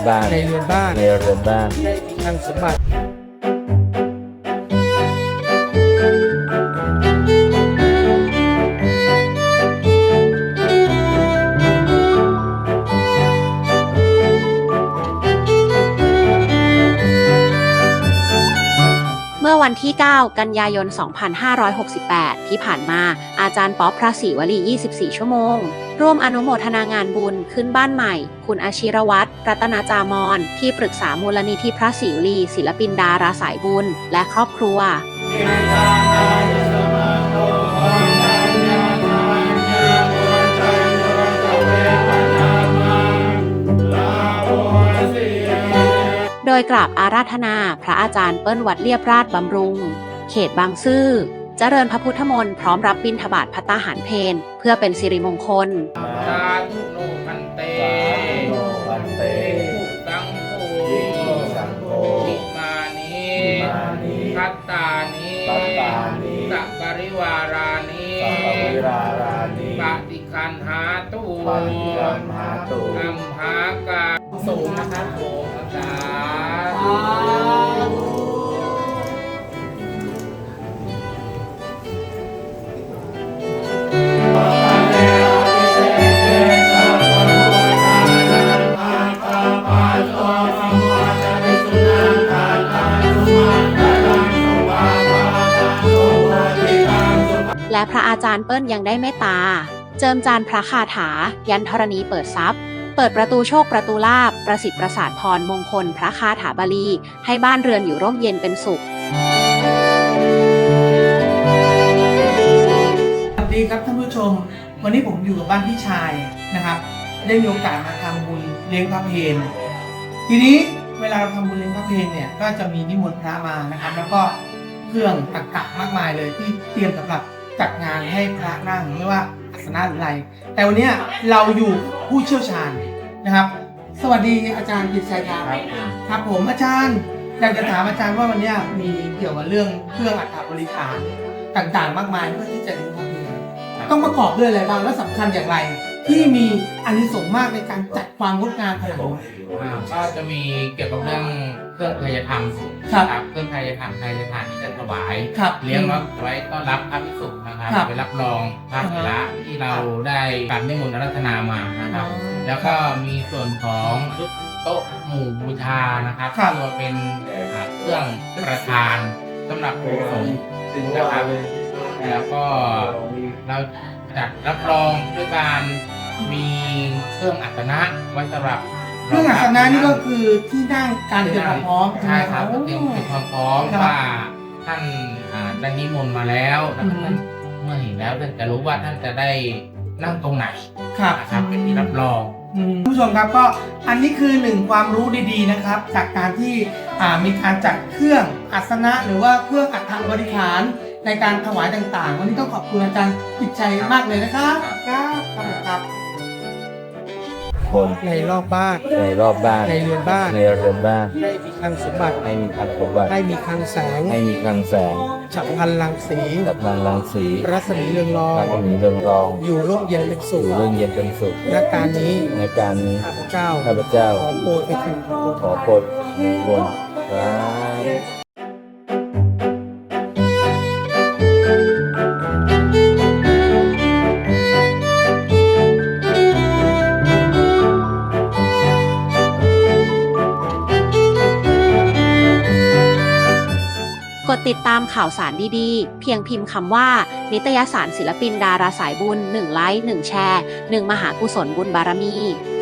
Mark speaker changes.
Speaker 1: บ้าน
Speaker 2: ในเรือนบ้าน
Speaker 1: ในเรือนบ้าน
Speaker 2: ได้มีคลังสมบัติ
Speaker 3: เมื่อวันที่ 9 กันยายน 2568 ที่ผ่านมาอาจารย์ป๊อปพระศรีวลี 24 ชั่วโมง ร่วมอนุโมทนางานบุญขึ้นบ้านใหม่ คุณอาชิรวัตร รัตนาจามร ที่ปรึกษามูลนิธิพระศรีวลีศิลปินดาราสายบุญและครอบครัวโดยกราบอาราธนาพระอาจารย์เปิ้ลวัดเรียบราชบำรุง เขตบางซื่อเจริญพระพุทธมนต์พร้อมรับบิณฑบาตภัตตาหารเพลเพื่อเป็นสิริมงคล
Speaker 4: สาธุโนพันเต
Speaker 1: วันเต
Speaker 4: สังโฆ
Speaker 1: สังโฆ
Speaker 4: อิมานิ พัตตานิ
Speaker 1: ปัตตานิ
Speaker 4: สัพปริวารานิ
Speaker 1: สัพพวิรารานิ
Speaker 4: ปฏิคันหาตุ
Speaker 1: ปฏิคันหาตุ
Speaker 4: อัมหากาสูงนะครับโสมสาธุ
Speaker 3: และพระอาจารย์เปิ้ลยังได้เมตตา เจิมจานพระคาถา ยันธรณีเปิดทรัพย์ เปิดประตูโชคประตูลาภประสิทธิ์ประสาทพรมงคลพระคาถาบาลี ให้บ้านเรือนอยู่ร่มเย็นเป็นสุข
Speaker 2: สวัสดีครับท่านผู้ชม วันนี้ผมอยู่กับบ้านพี่ชายนะครับ ได้มีโอกาสมาทำบุญเลี้ยงพระเพลทีนี้เวลาเราทำบุญเลี้ยงพระเพลเนี่ยก็จะมีนิมนต์พระมานะครับ แล้วก็เครื่องตรรกะมากมายเลยที่เตรียมสำหรับจัดงานให้พระนั่งไม่ว่าอาสนะหรืออะไร แต่วันนี้เราอยู่ผู้เชี่ยวชาญนะครับ สวัสดีอาจารย์กิตชัยครับครับผมอาจารย์อยากจะถามอาจารย์ว่าวันนี้มีเกี่ยวกับเรื่องเครื่องอัฐบริขารต่างๆ มากมายเพื่อที่จะเลี้ยงพระเพลต้องประกอบด้วยอะไรบ้างและสำคัญอย่างไร ที่มีอานิสงส์มากในการจัดความงดงามขนาดนี้
Speaker 4: ก็จะมีเกี่ยวกับเรื่องเครื่องไทยธรรม
Speaker 2: ครับ
Speaker 4: เครื่องไทยธรรมไทยทานที่จะถวาย
Speaker 2: ครับ
Speaker 4: เลี้ยงไว้ต้อนรับพระภิกษุนะครับ
Speaker 2: ครับ
Speaker 4: ไปรับรองพระเถระที่เราได้การนิมนต์อาราธนามานะครับ แล้วก็มีส่วนของชุดโต๊ะหมู่บูชานะครับ
Speaker 2: ครับ
Speaker 4: ที่ว่าเป็นเครื่องประทานสำหรับผู้สงฆ์นะครับ แล้วก็เราจัดรับรองด้วยการมีเครื่องอัศนะไว้สำหรับ
Speaker 2: เครื่องอัศนะนี่ก็คือที่นั่งการเตรียมความพร้อม
Speaker 4: ใช่ครับ
Speaker 2: โอ้
Speaker 4: เตรียมความพร้อม
Speaker 2: ครับ
Speaker 4: ว่าท่านได้นิมนต์มาแล้วแล้วก็
Speaker 2: อืม
Speaker 4: ท่านเมื่อเห็นแล้วท่านจะรู้ว่าท่านจะได้นั่งตรงไหน
Speaker 2: ครับ
Speaker 4: นะครับเป็นที่รับรอง
Speaker 2: ผู้ชมครับก็อันนี้คือหนึ่งความรู้ดีๆนะครับ จากการที่มีการจัดเครื่องอัศนะหรือว่าเครื่องอัฐบริขารในการถวายต่างๆ วันนี้ต้องขอบคุณอาจารย์กิตชัยมากเลยนะครับครับ
Speaker 1: คน
Speaker 2: ในรอบบ้าน
Speaker 1: ในรอบบ้าน
Speaker 2: ในเรือนบ้าน
Speaker 1: ในเรือนบ้าน
Speaker 2: ได้มีคลังสมบัติ
Speaker 1: ให้มีคลังสมบัติ
Speaker 2: ได้มีคลังแสง
Speaker 1: ให้มีคลังแสง
Speaker 2: ฉับพลันรังสี
Speaker 1: กับพลังรังสี
Speaker 2: รัศมีเรืองรอง
Speaker 1: รัศมีเรืองรอง
Speaker 2: อยู่ร่มเย็นเป็น
Speaker 1: อ
Speaker 2: สุข
Speaker 1: ยู่เรื่องเย็นเป็นสุข
Speaker 2: และการนี้
Speaker 1: ในการนี้
Speaker 2: ข้าพเจ้า
Speaker 1: ข้าพเจ้า
Speaker 2: ขอโปรดไปถึง
Speaker 1: ขอโปรดในบนครับ
Speaker 3: กดติดตามข่าวสารดีๆ เพียงพิมพ์คำว่า นิตยสารศิลปินดาราสายบุญ 1 ไลค์ 1 แชร์ 1 มหากุศลบุญบารมี